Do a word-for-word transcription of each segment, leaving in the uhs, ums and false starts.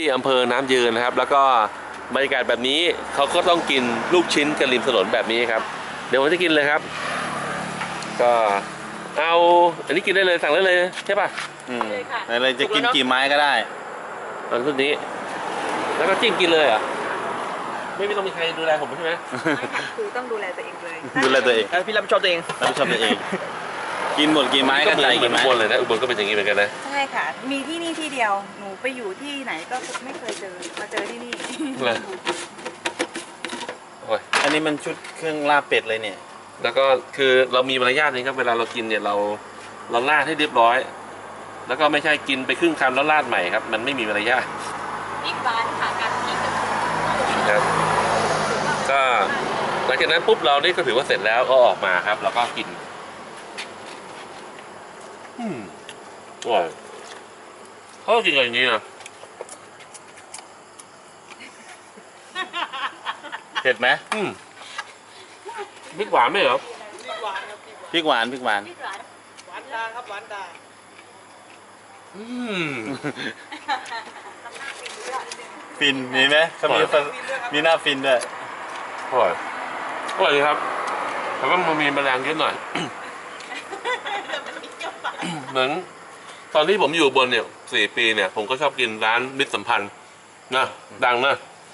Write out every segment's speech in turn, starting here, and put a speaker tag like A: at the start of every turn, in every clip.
A: อำเภอน้ำยืนนะครับแล้วก็บรรยากาศแบบนี้เขาก็ต้องกินลูกชิ้นกันริมถนนแบบนี้ครับเดี๋ยวผมจะกินเลยครับก็เอาอันนี้กินได้เลยสั่งได้เลยใช่ป่ะ
B: อืมอะไรจะกินกี่ไม้ก็ได้
A: อันชุดนี้แล้วก็จิ้มกินเลยอ่ะไม่ไม่ต้องมีใครดูแลผมใช่ไหม
C: คือต้องดูแลตัวเองเลย
B: ดูแลตัวเอง
D: พี่รับผิดชอบตัวเอง
B: รับผิดชอบตัวเองกินหมดกี่ไม้ก็ใส่กี่ไม้
A: อุบลเลยนะอุบลก็เป็นอย่างนี้เหมือนกันนะ
C: ใช่ค่ะมีที่นี่ที่เดียวหนูไปอยู่ที่ไหนก็ไม่เคยเจอมาเจอที่นี่
B: อันนี้มันชุดเครื่องลาบเป็ดเลยเนี่ย
A: แล้วก็คือเรามีมารยาทนี่ครับเวลาเรากินเนี่ยเราเราราดให้เรียบร้อยแล้วก็ไม่ใช่กินไปครึ่งคำแล้วราดใหม่ครับมันไม่มีมารยาท
C: อีกบานค่ะการกิน
A: ครับก็หลังจากนั้นปุ๊บเรานี่ก็ถือว่าเสร็จแล้วก็ออกมาครับแล้วก็กินอืมอร่อยเขากินกันอย่างนี้นะ
B: เผ็ดไหม
A: อืมพริกหวานไหมเหรอ
B: พริกหวานพริกหวาน
D: หวานตาครับหวานตา
A: อืม
B: ฟินมีไหมเขามีมีหน้าฟินด้วย
A: อร่อยอร่อยดีครับแต่ว่ามันมีแมลงเยอะหน่อยเหมือนตอนที่ผมอยู่บนเนี่ยสี่ปีเนี่ยผมก็ชอบกินร้านมิตรสัมพันธ์นะดังนะ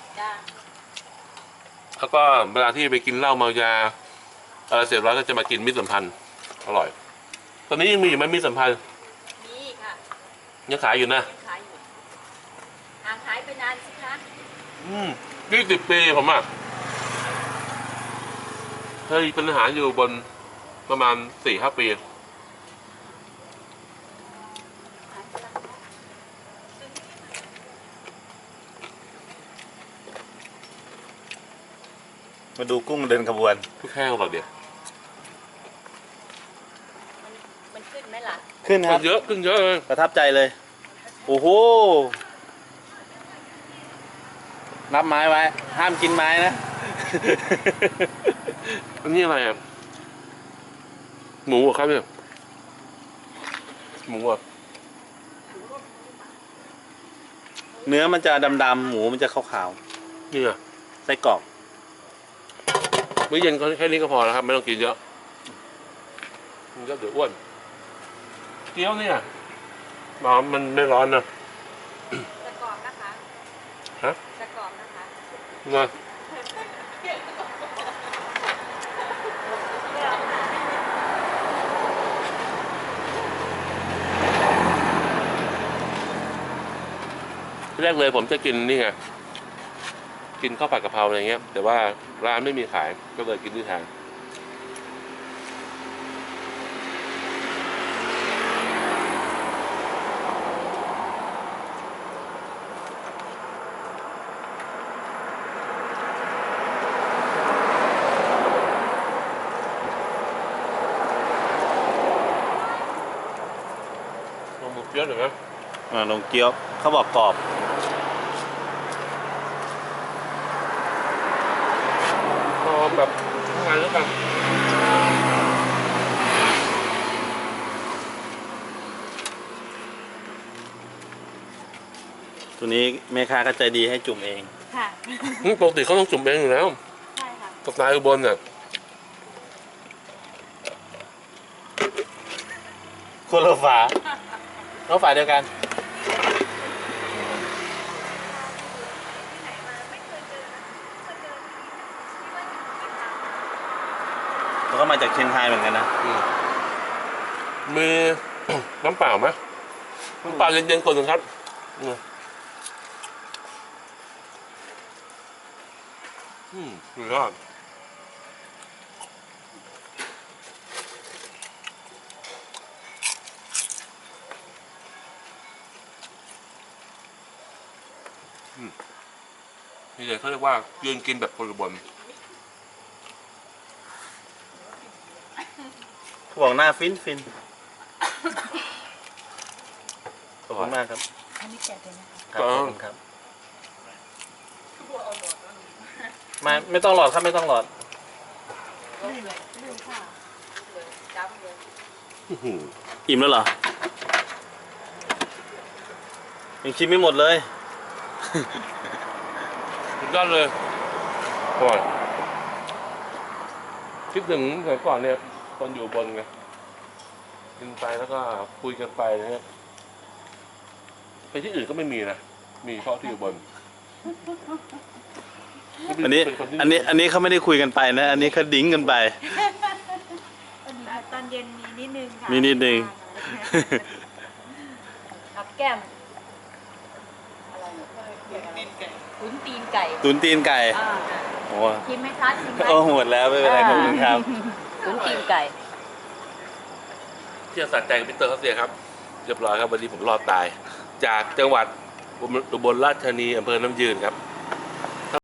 A: แล้วก็เวลาที่ไปกินเหล้าเมายาอะไรเสร็จแล้วก็จะมากินมิตรสัมพันธ์อร่อยตอนนี้ยังมีอยู่ไหมมิตรสัมพันธ์
C: มีค่ะ
A: ยังขายอยู่นะ
C: ขายอยู่ห่างขายไปนานสิคะ
A: อืมยี่สิบปีผมอ่ะเคยเป็นอาหารอยู่บนประมาณสี่ห้าปี
B: มาดูกุ้งเดินขบวน
A: ทุกแห้งหรอเดี๋ยว
C: มันขึ้นไหมล่ะ
B: ขึ้นครับ
A: เยอะขึ้นเยอะเลย
B: ประทับใจเลยโอ้โหนับไม้ไว้ห้ามกินไม้นะ
A: อันนี้อะไรอ่ะหมูครับเนี่ยหมูอ่ะ
B: เนื้อมันจะดำๆหมูมันจะขาว
A: ๆนี่อ่ะ
B: ไส้กรอก
A: มื้อเย็นแค่นี้ก็พอแล้วครับไม่ต้องกินเยอะมันก็เดี๋ยวอ้วนเกี๊ยวเนี่ยมันไม่ร้อนนะ
C: จะกรอบนะคะ
A: ฮะ
C: จะกรอบนะคะ
A: นะแรกเลยผมจะกินนี่ไงกินข้าวผัดกะเพราอะไรเงี้ยแต่ว่าร้านไม่มีขายก็เลยกินที่แทนลงหมูเกี๊ยวหน่อยไหม
B: อ่าลงเกี๊ยวเขาบอกกรอบ
A: แบบทำงานแล้วกัน
B: ตัวนี้แม่ค้าก็ใจดีให้จุ่มเอง
C: ค่ะ
A: ปกติเขาต้องจุ่มเองอยู่แล้ว
C: ใช่ค่ะ
A: สไตล์อุบลเนี่ย
B: คนละฝาเราฝาเดียวกันแล้วก็มาจากเชียงรายเหมือนกันนะ
A: มีน้ำเปล่าไหมน้ำเปล่าเย็นๆก่อนหนึ่งครับอืมสุดยอดนี่เลยเขาเรียกว่ายืนกินแบบคนอุบล
B: เขาบอกหน้าฟินฟินขอบคุณมากครับ
C: อันนี้แจกเลยนะคะ
B: ขอบคุณครับไม่ไม่ต้องหลอดครับไม่ต้องหลอดอิ่มแล้วเหรอยังชิมไม่หมดเลย
A: สุดยอดเลยก่อนคิดถึงสมัยก่อนเนี่ยตอนอยู่บนไงกินไปแล้วก็คุยกันไปนะฮะไปที่อื่นก็ไม่มีนะมีเฉพาะที่อยู่บน
B: อันนี้
A: เป็คที่
B: อันนี้อันนี้เขาไม่ได้คุยกันไปนะ อันนี้เขาดิ้งกันไป
C: ตอนเย็นมีนิดนึงค่ะ
B: มีนิดนึง
E: กับแก้มตุ๋นตีนไก่
B: ตุนตีนไก่
E: อ่า
B: โอ้
E: ชิมไหมคะชิมไหม
B: โอ้หมดแล้วไม่เป็นไรขอบคุณครับ
E: ตุ๋นตีนไก่
A: ที่จะสะใจกับพี่เตอร์เขาเสียครับเรียบร้อยครับวันนี้ผมรอดตาย จากจังหวัดอุบลราชธานีอำเภอน้ำยืนครับ